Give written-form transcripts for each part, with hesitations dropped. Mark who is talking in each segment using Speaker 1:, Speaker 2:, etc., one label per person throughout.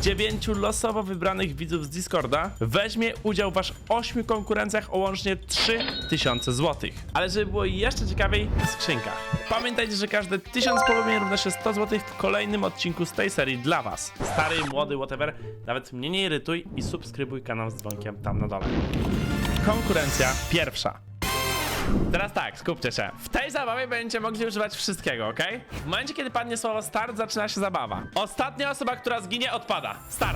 Speaker 1: 9 losowo wybranych widzów z Discorda weźmie udział w aż 8 konkurencjach o łącznie 3000 zł. Ale żeby było jeszcze ciekawiej, w skrzynkach. Pamiętajcie, że każde 1000 polubień równa się 100 zł w kolejnym odcinku z tej serii dla was. Stary, młody, whatever, nawet mnie nie irytuj i subskrybuj kanał z dzwonkiem tam na dole. Konkurencja pierwsza. Teraz tak, skupcie się. W tej zabawie będziecie mogli używać wszystkiego, ok? W momencie, kiedy padnie słowo start, zaczyna się zabawa. Ostatnia osoba, która zginie, odpada. Start.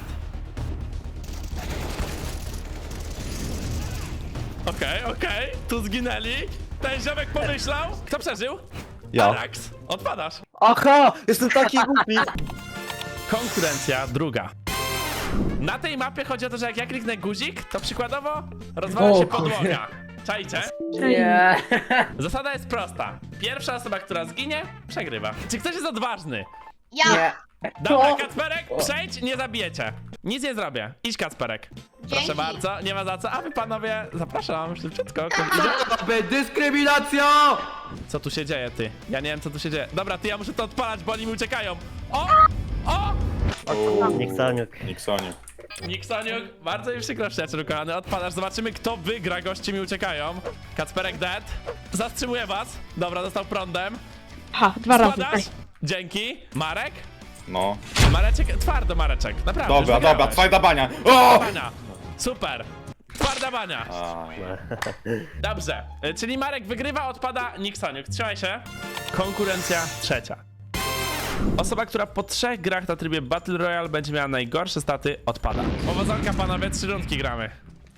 Speaker 1: Okej. Tu zginęli. Ten ziomek pomyślał. Kto przeżył?
Speaker 2: Ja.
Speaker 1: Arax. Odpadasz.
Speaker 2: Aha! Jestem taki głupi!
Speaker 1: Konkurencja druga. Na tej mapie chodzi o to, że jak ja kliknę guzik, to przykładowo rozwala się podłoga. Czajcie?
Speaker 2: Nie!
Speaker 1: Zasada jest prosta. Pierwsza osoba, która zginie, przegrywa. Czy ktoś jest odważny?
Speaker 3: Ja!
Speaker 2: Nie!
Speaker 1: Dobra,
Speaker 2: O!
Speaker 1: Kacperek, przejdź, nie zabijecie. Nic nie zrobię. Idź, Kacperek. Proszę
Speaker 3: Dzięki.
Speaker 1: bardzo, nie ma za co. A wy panowie, zapraszam, szybciutko.
Speaker 2: Dyskryminacja!
Speaker 1: Co tu się dzieje, ty? Ja nie wiem, co tu się dzieje. Dobra, ty, ja muszę to odpalać, bo oni mi uciekają. O!
Speaker 4: Niksaniuk.
Speaker 1: Niksoniuk, bardzo mi przykro, przyjacielu kochany. Odpadasz, zobaczymy, kto wygra. Goście mi uciekają. Kacperek dead. Zastrzymuję was. Dobra, dostał prądem.
Speaker 5: Ha, 2 razy.
Speaker 1: Składasz? Dzięki. Marek?
Speaker 6: No.
Speaker 1: Mareczek, twardo Mareczek, naprawdę. już
Speaker 6: Dobra,
Speaker 1: wygrałeś.
Speaker 6: twarda bania. O!
Speaker 1: Bania. Super. Twarda bania. Dobrze, czyli Marek wygrywa, odpada Niksoniuk. Trzymaj się. Konkurencja trzecia. Osoba, która po 3 grach na trybie Battle Royale będzie miała najgorsze staty, odpada. Powodzonka panowie, 3 rundki gramy.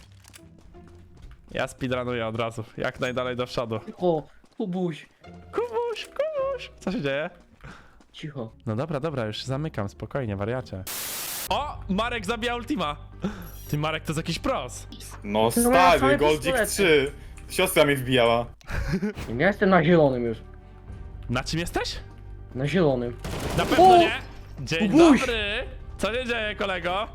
Speaker 1: Ja speedrunuję od razu, jak najdalej do przodu.
Speaker 2: O, Kubuś!
Speaker 1: Kubuś. Co się dzieje?
Speaker 2: Cicho.
Speaker 1: No dobra, już się zamykam, spokojnie, wariacie. O, Marek zabija ultima. Ty, Marek, to jest jakiś pros.
Speaker 6: No
Speaker 2: same
Speaker 6: stary, Goldzik
Speaker 2: pistolety.
Speaker 6: 3. Siostra mnie wbijała.
Speaker 2: Ja jestem na zielonym już.
Speaker 1: Na czym jesteś?
Speaker 2: Na zielonym.
Speaker 1: Na pewno
Speaker 2: O!
Speaker 1: nie. Dzień
Speaker 2: Kubuś!
Speaker 1: dobry. Co się dzieje, kolego?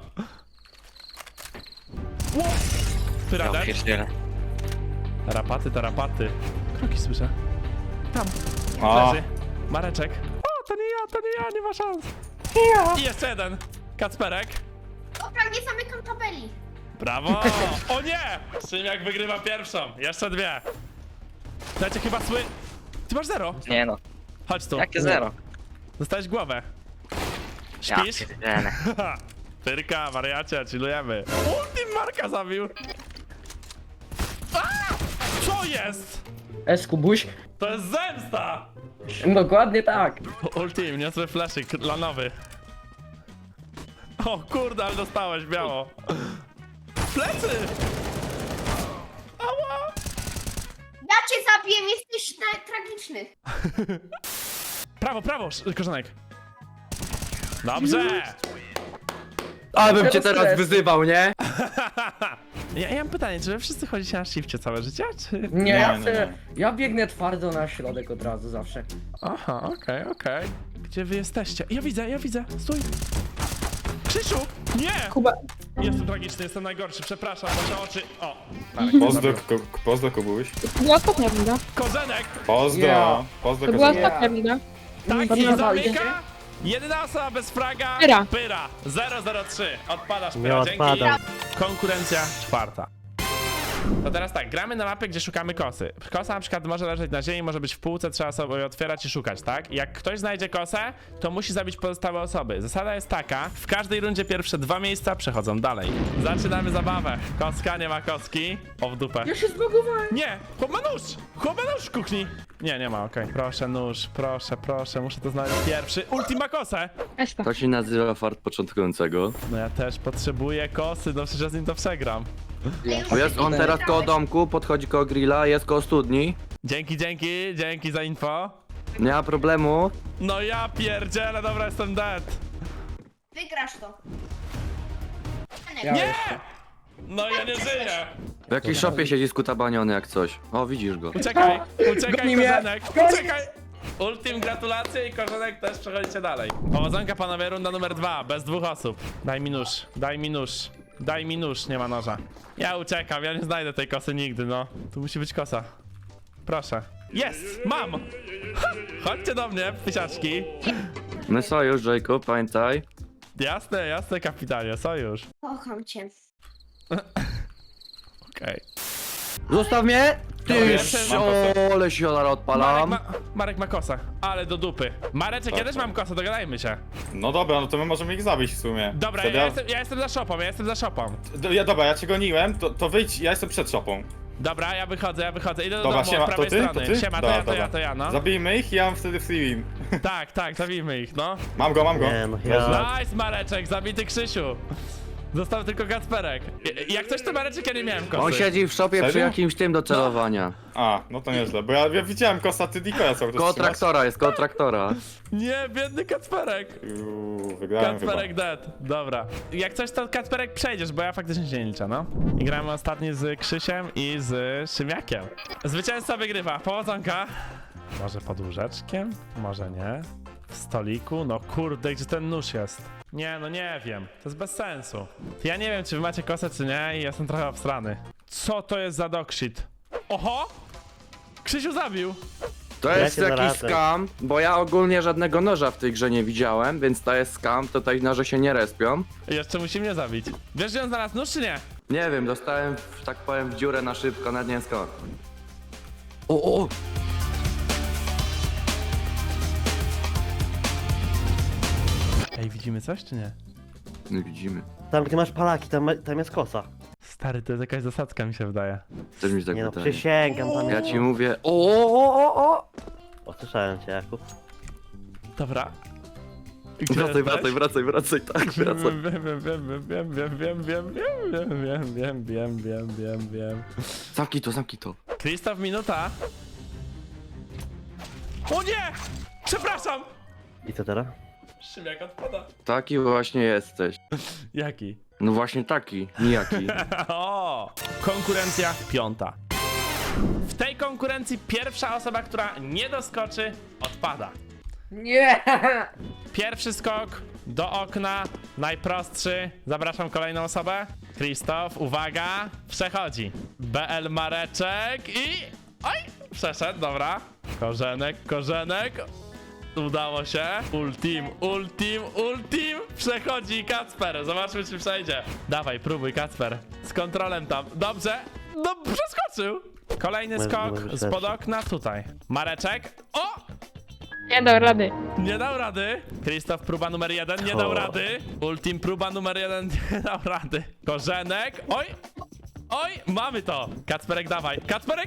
Speaker 1: Ty radę? Rapaty to rapaty. Kroki słyszę. Tam.
Speaker 6: A,
Speaker 1: Leży. Mareczek. O, to nie ja, nie ma szans. I jeszcze jeden. Kacperek.
Speaker 3: Dobra, nie zamykam tabeli.
Speaker 1: Brawo! O nie! Szymiak wygrywa pierwszą. Jeszcze 2. Dajcie chyba Ty masz 0.
Speaker 4: Nie no,
Speaker 1: Chodź tu.
Speaker 4: jakie zero?
Speaker 1: Dostałeś głowę.
Speaker 4: Ja
Speaker 1: Śpisz?
Speaker 4: pierdzielę.
Speaker 1: Pyrka, wariacie, chillujemy. Ultim Marka zabił. A! Co jest?
Speaker 2: Kubuś?
Speaker 1: To jest zemsta!
Speaker 2: Dokładnie tak.
Speaker 1: Ultim, niosły flaszyk lanowy. O kurde, ale dostałeś biało. Plecy! Ała!
Speaker 3: Ja cię zabiję, jesteś tragiczny.
Speaker 1: Prawo, korzonek. Dobrze!
Speaker 2: Ale bym cię teraz wyzywał, nie?
Speaker 1: Ja mam pytanie, czy wy wszyscy chodzicie na shifcie całe życie, czy...
Speaker 2: Nie,
Speaker 6: nie.
Speaker 2: ja biegnę twardo na środek od razu zawsze.
Speaker 1: Aha, okej. Gdzie wy jesteście? Ja widzę, stój! Krzysiu! Nie!
Speaker 5: Kuba.
Speaker 1: Jestem tragiczny, jestem najgorszy, przepraszam, wasze oczy... O!
Speaker 6: Pozdro Kubuś.
Speaker 5: To była ostatnia runda.
Speaker 1: Korzenek!
Speaker 6: Pozdro.
Speaker 2: Ja.
Speaker 6: Pozdro
Speaker 5: To była
Speaker 6: Kozunek.
Speaker 5: ostatnia runda.
Speaker 1: Tak,
Speaker 5: To
Speaker 1: i
Speaker 5: nie
Speaker 1: zamyka! Jedyna osoba bez fraga...
Speaker 5: Pyra.
Speaker 1: 003. Odpadasz,
Speaker 4: Nie
Speaker 1: Pyra, dzięki.
Speaker 4: odpadam.
Speaker 1: Konkurencja czwarta. To teraz tak, gramy na mapie, gdzie szukamy kosy. Kosa na przykład może leżeć na ziemi, może być w półce, trzeba sobie ją otwierać i szukać, tak? I jak ktoś znajdzie kosę, to musi zabić pozostałe osoby. Zasada jest taka, w każdej rundzie pierwsze 2 miejsca przechodzą dalej. Zaczynamy zabawę. Koska, nie ma koski. O, w dupę.
Speaker 2: Ja się zbagowałem.
Speaker 1: Nie! Chłop ma nóż! Chłop ma nóż w kuchni! Nie ma, okej. Proszę nóż, proszę, muszę to znaleźć pierwszy. Ultima kosę!
Speaker 5: Esta.
Speaker 7: To się nazywa fart początkującego.
Speaker 1: No ja też potrzebuję kosy, no przecież ja z nim to przegram.
Speaker 7: Bo jest on teraz koło domku, podchodzi koło grilla, jest koło studni.
Speaker 1: Dzięki za info.
Speaker 7: Nie ma problemu.
Speaker 1: No ja pierdzielę, dobra, jestem dead.
Speaker 3: Wygrasz to.
Speaker 2: Ja
Speaker 1: Nie!
Speaker 2: jestem.
Speaker 1: No ja nie żyję.
Speaker 7: W jakiej szopie siedzi skutabaniony jak coś. O, widzisz go.
Speaker 1: Uciekaj,
Speaker 2: Goni mnie.
Speaker 1: Korzenek,
Speaker 2: Goni.
Speaker 1: uciekaj! Ultim, gratulacje i Korzenek też przechodzicie dalej. Powodzonka panowie, runda numer 2, bez 2 osób. Daj mi nóż, nie ma noża. Ja uciekam, ja nie znajdę tej kosy nigdy, no. Tu musi być kosa. Proszę. Jest! Mam! Ha! Chodźcie do mnie, pysiaczki.
Speaker 7: My sojusz, Jacob, pamiętaj.
Speaker 1: Jasne, jasne, kapitanie, sojusz.
Speaker 3: Kocham cię.
Speaker 1: Okej.
Speaker 7: Zostaw mnie!
Speaker 1: Dobra,
Speaker 7: Ty,
Speaker 1: ja też mam
Speaker 7: ole się odpalam.
Speaker 1: Marek ma kosę, ale do dupy. Mareczek, ja
Speaker 6: Tak,
Speaker 1: też
Speaker 6: tak.
Speaker 1: mam kosę, dogadajmy się.
Speaker 6: No dobra, no to my możemy ich zabić w sumie.
Speaker 1: Dobra,
Speaker 6: Wtedy
Speaker 1: ja jestem za shopą,
Speaker 6: Dobra, ja cię goniłem, to wyjdź, ja jestem przed shopą.
Speaker 1: Dobra, ja wychodzę, idę do
Speaker 6: Dobra,
Speaker 1: domu
Speaker 6: siema,
Speaker 1: od prawej
Speaker 6: to ty?
Speaker 1: strony.
Speaker 6: To ty?
Speaker 1: Siema,
Speaker 6: Dobra,
Speaker 1: to ja, no.
Speaker 6: Zabijmy ich i ja mam wtedy free win.
Speaker 1: Tak, zabijmy ich, no.
Speaker 6: Mam go.
Speaker 2: Nie, no ja...
Speaker 1: Nice, Mareczek, zabity Krzysiu. Został tylko Kacperek. Jak coś to Mareczek, ja nie miałem kosy.
Speaker 7: On siedzi w szopie przy
Speaker 6: Serio?
Speaker 7: jakimś tym do celowania.
Speaker 6: A, no to nieźle, bo ja widziałem kosa, ty Dikoja cały czas
Speaker 7: Koło
Speaker 6: trzymasz.
Speaker 7: traktora, jest koło traktora.
Speaker 1: Nie, biedny Kacperek.
Speaker 6: Wygrałem chyba.
Speaker 1: Kacperek dead, dobra. Jak coś to Kacperek przejdziesz, bo ja faktycznie się nie liczę, no. I gramy ostatni z Krzysiem i z Szymiakiem. Zwycięzca wygrywa, powodzonka. Może pod łóżeczkiem? Może nie. W stoliku? No kurde, gdzie ten nóż jest? Nie, no nie wiem. To jest bez sensu. Ja nie wiem, czy wy macie kosę, czy nie i jestem trochę obstrany. Co to jest za dogshit? Oho! Krzysiu zabił!
Speaker 7: To
Speaker 2: Ja
Speaker 7: jest
Speaker 2: cię
Speaker 7: jakiś
Speaker 2: zaradzę.
Speaker 7: skam, bo ja ogólnie żadnego noża w tej grze nie widziałem, więc to jest skam, tutaj noże się nie respią.
Speaker 1: I jeszcze musi mnie zabić. Wiesz, gdzie on znalazł nóż, czy nie?
Speaker 7: Nie wiem, dostałem, że tak powiem, w dziurę na szybko, nawet nie wiem skąd. O!
Speaker 1: Ej, widzimy coś, czy nie?
Speaker 7: Nie widzimy.
Speaker 2: Tam gdzie masz palaki, tam jest kosa.
Speaker 1: Stary, to jest jakaś zasadzka, mi się wydaje.
Speaker 7: Też mi się tak
Speaker 2: Nie no,
Speaker 7: wydaje.
Speaker 2: przysięgam, tam
Speaker 7: Ja
Speaker 2: jest...
Speaker 7: ci mówię, o!
Speaker 2: Słyszałem cię, Jakub.
Speaker 1: Dobra. Gdzie
Speaker 7: Wracaj,
Speaker 1: jesteś?
Speaker 7: wracaj, tak, wracaj.
Speaker 1: Wiem.
Speaker 7: Zamknij to.
Speaker 1: Krzysztof, minuta. O nie! Przepraszam!
Speaker 2: I co teraz?
Speaker 1: Szymiak odpada.
Speaker 7: Taki właśnie jesteś.
Speaker 1: Jaki?
Speaker 7: No właśnie taki, nijaki.
Speaker 1: O! Konkurencja piąta. W tej konkurencji pierwsza osoba, która nie doskoczy, odpada.
Speaker 4: Nie!
Speaker 1: Pierwszy skok do okna, najprostszy. Zapraszam kolejną osobę. Krzysztof, uwaga, przechodzi. BL Mareczek i... Oj, przeszedł, dobra. Korzenek. Udało się. Ultim. Przechodzi Kacper. Zobaczmy, czy przejdzie. Dawaj, próbuj, Kacper. Z kontrolem tam. Dobrze. No, przeskoczył. Kolejny
Speaker 2: Może-
Speaker 1: skok
Speaker 2: może
Speaker 1: spod
Speaker 2: lepszy.
Speaker 1: okna tutaj. Mareczek. O!
Speaker 5: Nie dał rady.
Speaker 1: Nie dał rady. Krzysztof, próba numer 1, nie dał
Speaker 2: O.
Speaker 1: rady. Ultim, próba numer 1, nie dał rady. Korzenek. Oj, mamy to. Kacperek, dawaj. Kacperek,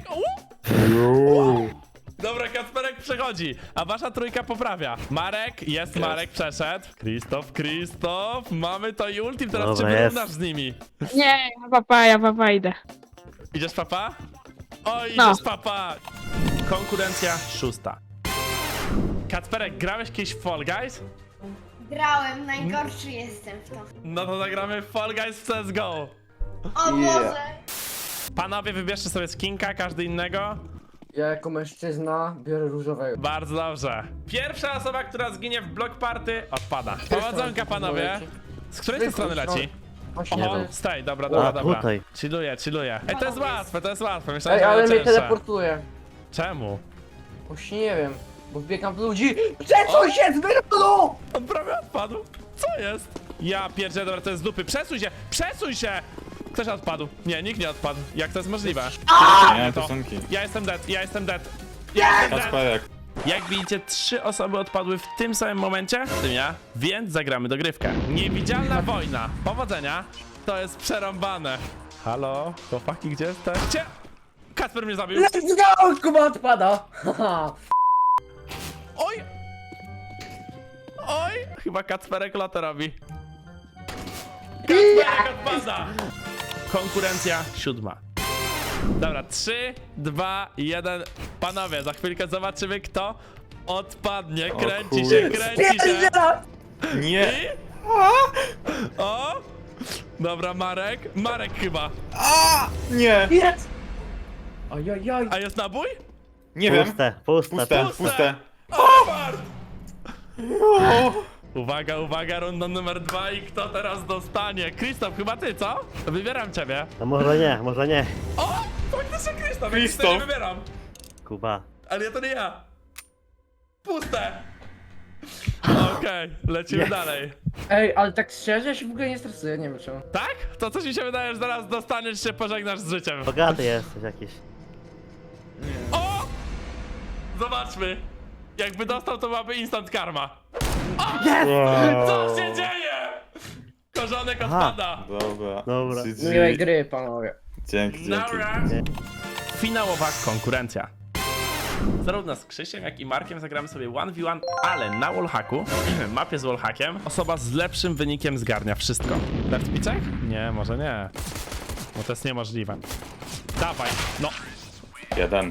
Speaker 1: Dobra, Kacperek przechodzi, a wasza trójka poprawia. Marek przeszedł. Krzysztof, mamy to i ultim, teraz
Speaker 2: Dobra,
Speaker 1: czy
Speaker 2: jest.
Speaker 1: wyrównasz z nimi?
Speaker 5: Nie, ja papa idę.
Speaker 1: Idziesz, papa? Oj,
Speaker 5: No.
Speaker 1: idziesz, papa. Konkurencja szósta. Kacperek, grałeś kiedyś w Fall Guys?
Speaker 3: Grałem, najgorszy jestem w to.
Speaker 1: No to zagramy w Fall Guys w CSGO.
Speaker 3: O Boże!
Speaker 1: Panowie, wybierzcie sobie skinka, każdy innego.
Speaker 4: Ja jako mężczyzna biorę różowego.
Speaker 1: Bardzo dobrze. Pierwsza osoba, która zginie w block party, odpada. Powodzonka, panowie. Z której to strony leci?
Speaker 4: Właśnie
Speaker 1: Oho,
Speaker 4: nie wiem.
Speaker 1: z tej, dobra.
Speaker 2: tutaj.
Speaker 1: Chilluję. Ej, to jest łatwe. Myślałem,
Speaker 4: Ej,
Speaker 1: że
Speaker 4: ale
Speaker 1: będzie
Speaker 4: mnie
Speaker 1: cięższe.
Speaker 4: teleportuje.
Speaker 1: Czemu?
Speaker 4: Właśnie nie wiem, bo wbiegam w ludzi. Przesuń się z wyrodu!
Speaker 1: On prawie odpadł. Co jest? Ja pierdzielę, dobra, to jest z dupy. Przesuń się! Ktoś odpadł. Nie, nikt nie odpadł. Jak to jest możliwe?
Speaker 6: Nie, to sunki.
Speaker 1: Ja jestem dead.
Speaker 6: Kacperek.
Speaker 1: Jak widzicie, 3 osoby odpadły w tym samym momencie, w tym ja, więc zagramy dogrywkę. Niewidzialna wojna. Powodzenia. To jest przerąbane. Halo? Chłopaki, gdzie jesteście? Kacper mnie zabił.
Speaker 4: Let's go! Kuba odpada! Haha.
Speaker 1: Oj! Chyba Kacperek lotę robi. Kacperek odpada! Konkurencja siódma. Dobra, 3, 2, 1. Panowie, za chwilkę zobaczymy, kto odpadnie. Kręci się.
Speaker 4: Pierdziela!
Speaker 6: Nie!
Speaker 1: I... O! Dobra, Marek chyba.
Speaker 6: Nie!
Speaker 4: Jest! Ojojoj!
Speaker 1: A jest nabój?
Speaker 6: Nie wiem.
Speaker 2: Puste.
Speaker 1: Uwaga, runda numer 2 i kto teraz dostanie? Krzysztof, chyba ty, co? Wybieram ciebie.
Speaker 2: No może nie.
Speaker 1: O! Faktycznie Krzysztof,
Speaker 6: Krzysztof.
Speaker 1: ja nie wybieram.
Speaker 2: Kuba.
Speaker 1: Ale to nie ja. Puste. Okej, lecimy
Speaker 2: Yes.
Speaker 1: dalej.
Speaker 4: Ej, ale tak szczerze, ja się w ogóle nie stresuję, nie wiem czemu.
Speaker 1: Tak? To coś mi się wydaje, że zaraz dostaniesz się, pożegnasz z życiem.
Speaker 8: Bogaty jesteś jakiś.
Speaker 1: O! Zobaczmy. Jakby dostał, to byłaby instant karma.
Speaker 6: Wow.
Speaker 1: Co się dzieje? Korzonek
Speaker 8: Aha.
Speaker 1: odpada.
Speaker 6: Dobra.
Speaker 8: Dobra.
Speaker 6: GG.
Speaker 4: Miłej gry, panowie.
Speaker 6: Dzięki.
Speaker 1: Nara. Finałowa konkurencja. Zarówno z Krzysiem, jak i Markiem zagramy sobie 1v1, ale na wallhacku, mapie z wallhackiem, osoba z lepszym wynikiem zgarnia wszystko. Left piczek? Nie, może nie. Bo to jest niemożliwe. Dawaj, no.
Speaker 6: Jeden.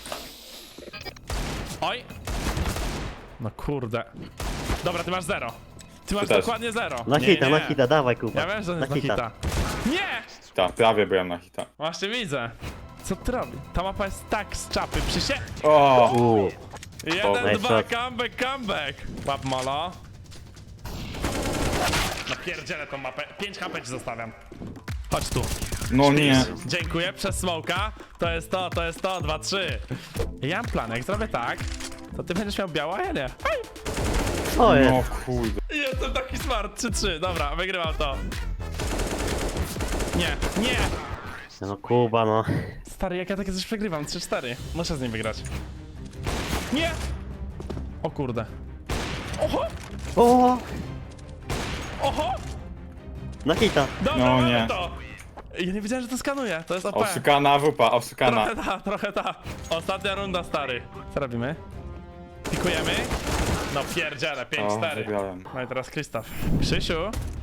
Speaker 1: Oj. No kurde. Dobra, ty masz 0. Ty masz
Speaker 6: Ty też.
Speaker 1: dokładnie 0.
Speaker 8: Na hita, dawaj Kuba.
Speaker 1: Ja wiem, że on
Speaker 8: na
Speaker 1: jest na hita. Nie!
Speaker 6: Tak, prawie byłem na hita.
Speaker 1: Właśnie widzę. Co ty robi? Ta mapa jest tak z czapy,
Speaker 6: O!
Speaker 1: Jeden,
Speaker 8: nice
Speaker 1: dwa,
Speaker 8: shot.
Speaker 1: comeback. Łap molo. No pierdzielę tą mapę. 5 HP ci zostawiam. Chodź tu.
Speaker 6: No nie.
Speaker 1: Dziękuję, przez smoka. To jest to, 2, 3. Ja mam plan, jak zrobię tak, to ty będziesz miał białe, a ja nie. Hej!
Speaker 8: O jest.
Speaker 6: No kurde.
Speaker 1: Jestem taki smart, 3-3. Dobra, wygrywam to. Nie, nie!
Speaker 8: No Kuba, no.
Speaker 1: Stary, jak ja takie coś przegrywam, 3-4. Muszę z nim wygrać. Nie! O kurde. Oho!
Speaker 8: O!
Speaker 1: Oho!
Speaker 8: Na hita.
Speaker 1: Dobra,
Speaker 6: No
Speaker 1: mamy
Speaker 6: nie.
Speaker 1: to! Ja nie wiedziałem, że to skanuje. To jest OP.
Speaker 6: Oszukana wupa, oszukana.
Speaker 1: Trochę ta. Ostatnia runda, stary. Co robimy? Pikujemy? No pierdziele,
Speaker 6: O,
Speaker 1: 5-4.
Speaker 6: wygrałem.
Speaker 1: No i teraz Krzysztof. Krzysiu?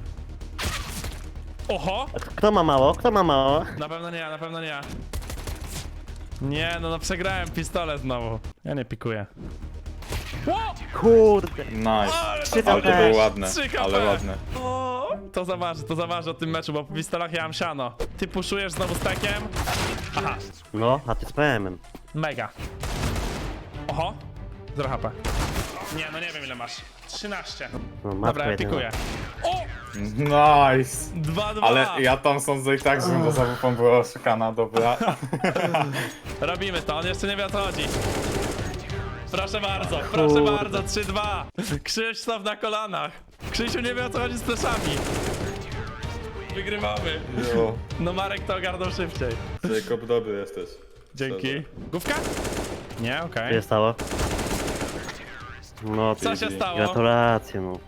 Speaker 1: Oho!
Speaker 8: Kto ma mało? Kto ma mało?
Speaker 1: Na pewno nie ja, na pewno nie ja. Nie, no przegrałem pistolet znowu. Ja nie pikuję. Ło!
Speaker 8: Kurde.
Speaker 6: Nice.
Speaker 1: Ale
Speaker 8: Trzy
Speaker 6: Ale to
Speaker 8: HP.
Speaker 6: było ładne,
Speaker 1: 3
Speaker 6: ale
Speaker 1: HP.
Speaker 6: ładne.
Speaker 1: O, to zaważy o tym meczu, bo po pistolach ja mam siano. Ty puszujesz znowu stekiem? Aha,
Speaker 8: No, a ty z PM-em.
Speaker 1: mega. Oho, 0 HP. Nie, no nie wiem ile masz. 13.
Speaker 8: No,
Speaker 1: Dobra,
Speaker 8: matko
Speaker 1: ja
Speaker 8: jedyna.
Speaker 1: pikuję. O!
Speaker 6: Nice.
Speaker 1: 2-2.
Speaker 6: Ale ja tam sądzę i tak, żebym za wupą była oszukana, dobra.
Speaker 1: Robimy to, on jeszcze nie wie o co chodzi. Proszę bardzo, 3-2. Krzysztof na kolanach. Krzysiu nie wie o co chodzi z fleszami. Wygrywamy.
Speaker 6: Jo,
Speaker 1: No Marek to ogarnął szybciej.
Speaker 6: Jacob, dobry jesteś.
Speaker 1: Dzięki. Główka? Nie, okej.
Speaker 8: Co się stało? No,
Speaker 1: Co się stało?
Speaker 8: gratulacje, no.